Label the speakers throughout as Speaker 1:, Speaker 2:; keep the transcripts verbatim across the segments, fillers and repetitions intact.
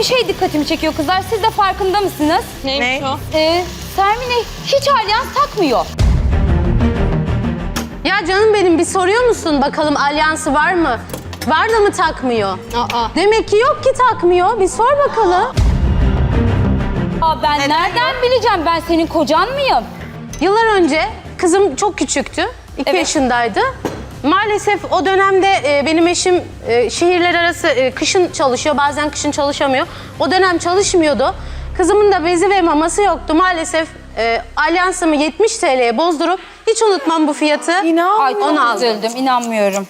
Speaker 1: bir şey dikkatimi çekiyor kızlar. Siz de farkında mısınız?
Speaker 2: Neymiş
Speaker 3: Ne?
Speaker 2: o?
Speaker 1: Ee, Sermine hiç alyans takmıyor.
Speaker 4: Ya canım benim bir soruyor musun bakalım alyansı var mı? Var da mı takmıyor?
Speaker 2: Aa.
Speaker 4: Demek ki yok ki takmıyor. Bir sor bakalım.
Speaker 1: Aa, ben nereden bileceğim? Ben senin kocan mıyım?
Speaker 4: Yıllar önce kızım çok küçüktü. iki
Speaker 1: Evet.
Speaker 4: yaşındaydı. Maalesef o dönemde e, benim eşim e, şehirler arası e, kışın çalışıyor. Bazen kışın çalışamıyor. O dönem çalışmıyordu. Kızımın da bezi ve maması yoktu. Maalesef e, alyansımı yetmiş T L'ye bozdurup hiç unutmam bu fiyatı.
Speaker 1: Ay çok
Speaker 4: Onu aldım.
Speaker 1: üzüldüm. İnanmıyorum.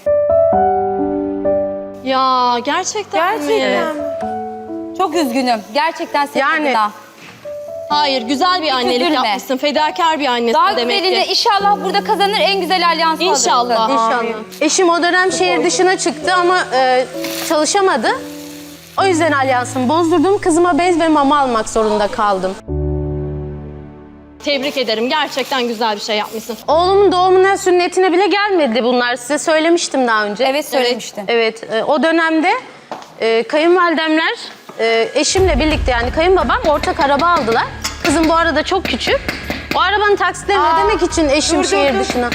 Speaker 2: Ya gerçekten, mi?
Speaker 3: Gerçekten mi?
Speaker 1: Çok üzgünüm. Gerçekten senin
Speaker 4: Yani-
Speaker 1: adına.
Speaker 2: Hayır, güzel bir annelik
Speaker 1: üzülme.
Speaker 2: yapmışsın. Fedakar bir annesin
Speaker 1: Daha
Speaker 2: demek
Speaker 1: güzelini
Speaker 2: ki.
Speaker 1: inşallah burada kazanır. En güzel alyansı
Speaker 2: İnşallah.
Speaker 1: alırsın.
Speaker 4: İnşallah. Eşim o dönem şehir dışına çıktı ama e, çalışamadı. O yüzden alyansımı bozdurdum. Kızıma bez ve mama almak zorunda kaldım.
Speaker 2: Tebrik ederim. Gerçekten güzel bir şey yapmışsın.
Speaker 4: Oğlumun doğumuna, sünnetine bile gelmedi bunlar. Size söylemiştim daha önce.
Speaker 1: Evet söylemiştin.
Speaker 4: Evet, e, o dönemde e, kayınvalidemler e, eşimle birlikte yani kayınbabam ortak araba aldılar. Kızım bu arada çok küçük. O arabanın taksitlerini ödemek için eşim
Speaker 3: dur, dur,
Speaker 4: şehir
Speaker 3: dur.
Speaker 4: dışına.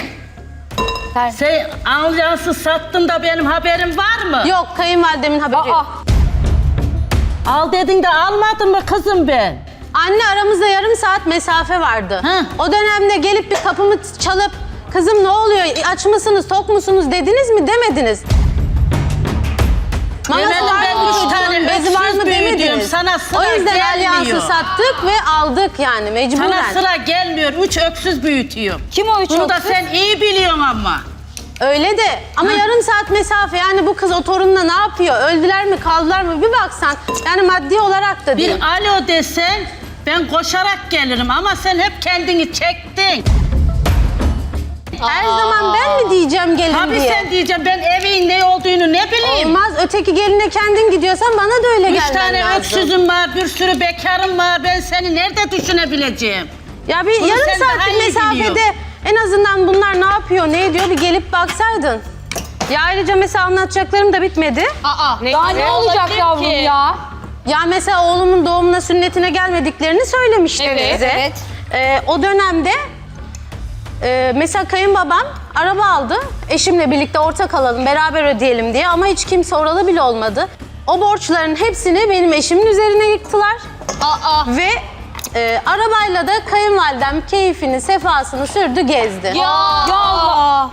Speaker 5: Sen alyansı sattın da benim haberim var mı?
Speaker 4: Yok, kayınvalidemin haberi
Speaker 1: Aa,
Speaker 4: yok.
Speaker 5: Al dedin de almadın mı kızım ben?
Speaker 4: Anne aramızda yarım saat mesafe vardı.
Speaker 5: Hı.
Speaker 4: O dönemde gelip bir kapımı çalıp kızım ne oluyor, aç mısınız, tok musunuz dediniz mi, demediniz.
Speaker 5: Demedim
Speaker 4: Maması var
Speaker 5: ben
Speaker 4: mı
Speaker 5: üç
Speaker 4: çocuğun,
Speaker 5: tane
Speaker 4: bezi var mı
Speaker 5: öksüz büyüdüm.
Speaker 4: demediniz.
Speaker 5: Sana sıra
Speaker 4: O yüzden
Speaker 5: gelmiyor.
Speaker 4: alyansı sattık ve aldık yani mecburen.
Speaker 5: Sana sıra gelmiyor. Üç öksüz büyütüyorum.
Speaker 1: kim o üç
Speaker 5: Bunu da
Speaker 1: öksüz?
Speaker 5: sen iyi biliyorsun ama.
Speaker 4: Öyle de ama yarım saat mesafe yani bu kız o torunla ne yapıyor? Öldüler mi kaldılar mı bir baksan. Yani maddi olarak da değil.
Speaker 5: Bir alo desen ben koşarak gelirim ama sen hep kendini çektin.
Speaker 4: Her zaman ben mi diyeceğim gelin
Speaker 5: Tabii
Speaker 4: diye?
Speaker 5: sen diyeceğim ben evin ne olduğunu ne bileyim.
Speaker 4: Olmaz öteki geline kendin gidiyorsan bana da öyle
Speaker 5: Üç
Speaker 4: gelmen
Speaker 5: tane
Speaker 4: lazım.
Speaker 5: öksüzüm var, bir sürü bekarım var. Ben seni nerede düşünebileceğim?
Speaker 4: Ya bir
Speaker 5: Bunu
Speaker 4: yarım
Speaker 5: sen daha
Speaker 4: saatlik
Speaker 5: iyi
Speaker 4: mesafede
Speaker 5: biliyorsun.
Speaker 4: en azından bunlar ne yapıyor, ne ediyor bir gelip baksaydın. Ya ayrıca mesela anlatacaklarım da bitmedi.
Speaker 2: Aa.
Speaker 1: Daha ne olacak
Speaker 2: olabilir
Speaker 1: yavrum
Speaker 2: ki?
Speaker 1: ya?
Speaker 4: Ya mesela oğlumun doğumuna, sünnetine gelmediklerini söylemiştim
Speaker 2: Evet,
Speaker 4: bize.
Speaker 1: evet.
Speaker 4: Ee, o dönemde e, mesela kayınbabam araba aldı. Eşimle birlikte ortak alalım, beraber ödeyelim diye ama hiç kimse oralı bile olmadı. O borçların hepsini benim eşimin üzerine yıktılar.
Speaker 2: Aa.
Speaker 4: Ve e, arabayla da kayınvalidem keyfini, sefasını sürdü, gezdi.
Speaker 2: Ya.
Speaker 1: Ya Allah.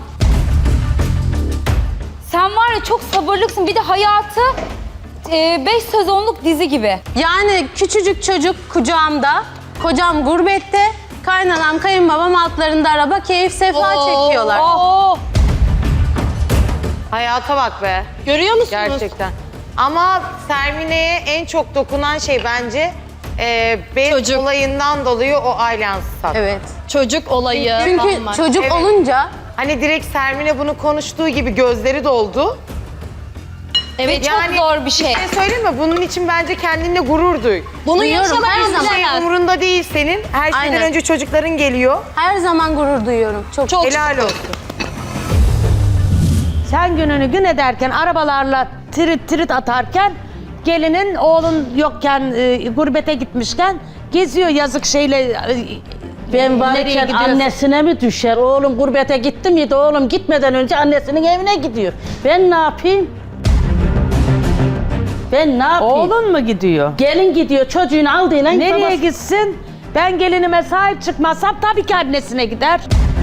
Speaker 1: Sen var ya çok sabırlıksın. Bir de hayatı e, beş sezonluk dizi gibi.
Speaker 4: Yani küçücük çocuk kucağımda, kocam gurbette, kaynanam, kayınbabam altlarında araba, keyif, sefa çekiyorlar.
Speaker 1: Oh.
Speaker 3: Hayata bak be.
Speaker 2: Görüyor musunuz?
Speaker 3: Gerçekten. Ama Sermine'ye en çok dokunan şey bence e, bez
Speaker 2: Çocuk.
Speaker 3: olayından dolayı o alyansı sattı.
Speaker 4: Evet.
Speaker 2: Çocuk olayı.
Speaker 4: Çünkü
Speaker 2: falan var.
Speaker 4: çocuk
Speaker 3: Evet.
Speaker 4: olunca
Speaker 3: Hani direkt Sermine bunu konuştuğu gibi gözleri doldu.
Speaker 2: Evet.
Speaker 1: Çok zor bir şey.
Speaker 3: Bir şey söyleyeyim mi? Bunun için bence kendinle gurur duy.
Speaker 2: Bunu
Speaker 4: Duyuyorum,
Speaker 2: yaşamak
Speaker 4: her zaman.
Speaker 3: Şey
Speaker 2: istemez.
Speaker 3: umurunda değil senin. Her şeyden
Speaker 4: Aynen.
Speaker 3: önce çocukların geliyor.
Speaker 4: her zaman gurur duyuyorum. Çok.
Speaker 2: Çok
Speaker 3: Helal olsun.
Speaker 6: Sen gününü gün ederken arabalarla trit trit atarken gelinin oğlun yokken e, gurbete gitmişken geziyor yazık şeyle e,
Speaker 5: Ben
Speaker 6: nereye
Speaker 5: varken
Speaker 6: gidiyorsun?
Speaker 5: annesine mi düşer? Oğlum gurbete gitti miydi? Oğlum gitmeden önce annesinin evine gidiyor. Ben ne yapayım? Ben ne yapayım?
Speaker 6: Oğlun mu gidiyor?
Speaker 5: Gelin gidiyor çocuğunu aldığıyla
Speaker 6: Nereye
Speaker 5: babası-
Speaker 6: gitsin? Ben gelinime sahip çıkmazsam tabii ki annesine gider.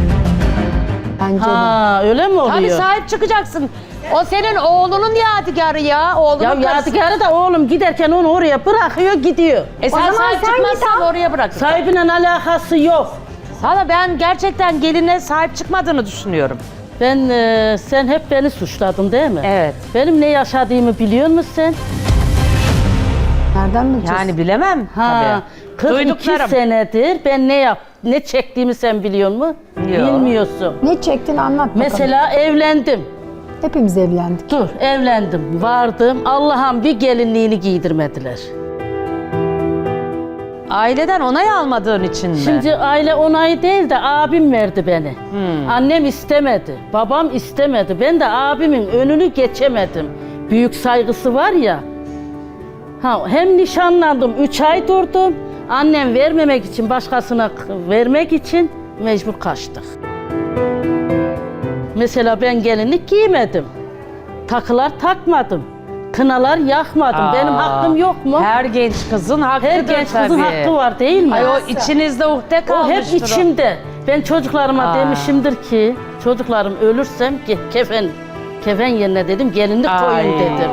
Speaker 5: Ha öyle mi oluyor?
Speaker 6: Tabii sahip çıkacaksın. O senin oğlunun yadigarı ya. Oğlunun
Speaker 5: Ya
Speaker 6: karısı.
Speaker 5: yadigarı da oğlum giderken onu oraya bırakıyor gidiyor.
Speaker 6: E sen sahip çıkmazsan oraya bırak.
Speaker 5: Sahibine alakası yok.
Speaker 6: Sana ben gerçekten geline sahip çıkmadığını düşünüyorum.
Speaker 5: Ben e, sen hep beni suçladın değil mi?
Speaker 6: Evet.
Speaker 5: Benim ne yaşadığımı biliyor musun sen?
Speaker 7: Nereden bileceğiz?
Speaker 6: Yani bilemem
Speaker 5: Ha,
Speaker 6: tabii.
Speaker 5: kırk iki
Speaker 6: Duyduklarım.
Speaker 5: senedir ben ne yap ne çektiğimi sen biliyor musun? Bilmiyorsun.
Speaker 7: Ne çektin anlat bakalım.
Speaker 5: Mesela evlendim.
Speaker 7: Hepimiz evlendik.
Speaker 5: Dur evlendim. Vardım. Allah'ım bir gelinliğini giydirmediler.
Speaker 6: Aileden onay almadığın için mi?
Speaker 5: Şimdi aile onayı değil de abim verdi beni. Annem istemedi. Babam istemedi. Ben de abimin önünü geçemedim. Büyük saygısı var ya. Ha, hem nişanlandım, üç ay durdum. Annem vermemek için, başkasına k- vermek için mecbur kaçtık. Mesela ben gelinlik giymedim. Takılar takmadım. Kınalar yakmadım. Benim hakkım yok mu?
Speaker 6: Her genç kızın hakkıdır
Speaker 5: Her genç kızın
Speaker 6: tabii.
Speaker 5: hakkı var değil mi?
Speaker 6: Ay o içinizde uhde
Speaker 5: O
Speaker 6: kalmıştır.
Speaker 5: hep içimde. Ben çocuklarıma
Speaker 6: Aa.
Speaker 5: demişimdir ki, çocuklarım ölürsem ge- kefen kefen yerine dedim, gelinlik koyun
Speaker 6: Ay.
Speaker 5: dedim.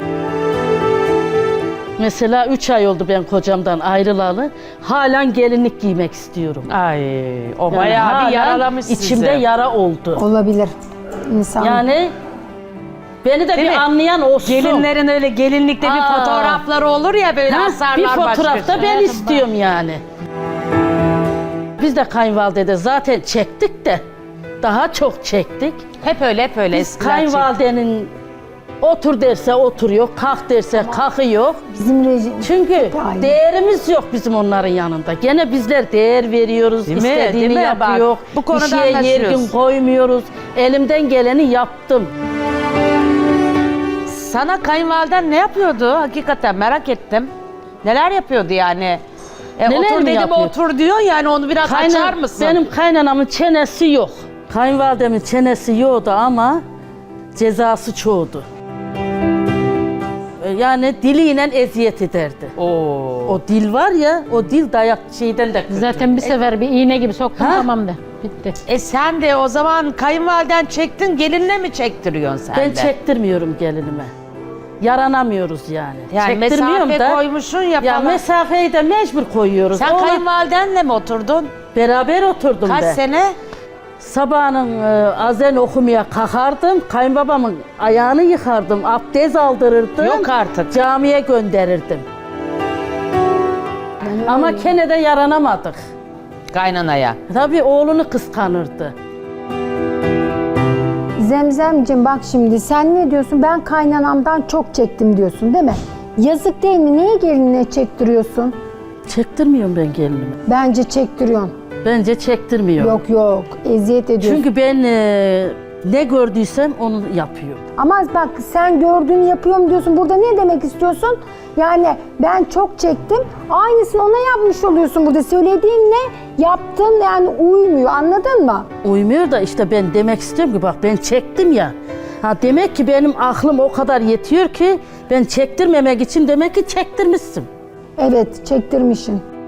Speaker 5: Mesela üç ay oldu ben kocamdan ayrılalı. Halen gelinlik giymek istiyorum.
Speaker 6: Ay o
Speaker 5: Yani
Speaker 6: bayağı bir
Speaker 5: halen
Speaker 6: yaralamış sizi.
Speaker 5: içimde yara oldu.
Speaker 7: Olabilir. İnsan.
Speaker 5: Yani beni de
Speaker 6: Değil
Speaker 5: bir
Speaker 6: mi?
Speaker 5: anlayan olsun.
Speaker 6: Gelinlerin öyle gelinlikte bir
Speaker 5: Aa.
Speaker 6: fotoğrafları olur ya böyle
Speaker 5: Ha,
Speaker 6: asarlar
Speaker 5: bir fotoğrafta
Speaker 6: başka.
Speaker 5: ben istiyorum yani. Biz de kayınvalidede zaten çektik de daha çok çektik.
Speaker 6: Hep öyle hep öyle.
Speaker 5: Biz
Speaker 6: eskiler çekti.
Speaker 5: kayınvalidenin otur derse oturuyor, kalk derse kalkıyor.
Speaker 7: Bizim rejim.
Speaker 5: Çünkü
Speaker 7: Aynen.
Speaker 5: değerimiz yok bizim onların yanında. Gene bizler değer veriyoruz,
Speaker 6: Değil mi?
Speaker 5: istediğini
Speaker 6: Değil mi?
Speaker 5: yapıyor.
Speaker 6: Bak, bu konuda
Speaker 5: bir şeye yergin
Speaker 6: anlaşıyoruz.
Speaker 5: koymuyoruz. Elimden geleni yaptım.
Speaker 6: Sana kayınvaliden ne yapıyordu? Hakikaten merak ettim. Neler yapıyordu yani? E,
Speaker 5: Neler
Speaker 6: otur
Speaker 5: mi
Speaker 6: dedim
Speaker 5: yapıyor?
Speaker 6: otur diyor yani onu biraz
Speaker 5: Kaynan-
Speaker 6: açar mısın?
Speaker 5: Benim kaynanamın çenesi yok. Kayınvalidemin çenesi yoktu ama cezası çoğdu. Yani diliyle eziyet ederdi.
Speaker 6: Oo.
Speaker 5: O dil var ya, o dil dayak şeyden de kötü.
Speaker 8: Zaten bir sefer bir iğne gibi soktum
Speaker 5: Ha?
Speaker 8: tamam da bitti.
Speaker 6: E sen de o zaman kayınvaliden çektin gelinle mi çektiriyorsun sen
Speaker 5: Ben
Speaker 6: de?
Speaker 5: çektirmiyorum gelinime. Yaranamıyoruz yani.
Speaker 6: Yani
Speaker 5: Çektirmiyorum
Speaker 6: mesafe
Speaker 5: da.
Speaker 6: koymuşsun ya
Speaker 5: Ya
Speaker 6: falan.
Speaker 5: mesafeyi de mecbur koyuyoruz.
Speaker 6: Sen
Speaker 5: Ona
Speaker 6: kayınvalidenle mi oturdun?
Speaker 5: beraber oturdum
Speaker 6: Kaç
Speaker 5: ben.
Speaker 6: sene?
Speaker 5: Sabahın e, azen okumaya kalkardım. Kayınbabamın ayağını yıkardım. Abdest aldırırdım.
Speaker 6: Yok artık.
Speaker 5: Camiye gönderirdim. Ama gene de yaranamadık.
Speaker 6: Kaynanaya.
Speaker 5: Tabii oğlunu kıskanırdı.
Speaker 7: Zemzemciğim bak şimdi sen ne diyorsun? Ben kaynanamdan çok çektim diyorsun değil mi? Yazık değil mi? Niye gelinine çektiriyorsun?
Speaker 5: Çektirmiyorum ben gelinimi.
Speaker 7: Bence çektiriyorsun.
Speaker 5: Bence çektirmiyorum.
Speaker 7: Yok yok eziyet ediyorsun.
Speaker 5: Çünkü ben e, ne gördüysem onu yapıyorum.
Speaker 7: Ama bak sen gördüğünü yapıyorum diyorsun. Burada ne demek istiyorsun? Yani ben çok çektim. Aynısını ona yapmış oluyorsun burada. Söylediğin ne? Yaptın yani uymuyor. Anladın mı?
Speaker 5: Uymuyor da işte ben demek istiyorum ki bak ben çektim ya. Ha demek ki benim aklım o kadar yetiyor ki ben çektirmemek için demek ki çektirmişsin.
Speaker 7: Evet çektirmişsin.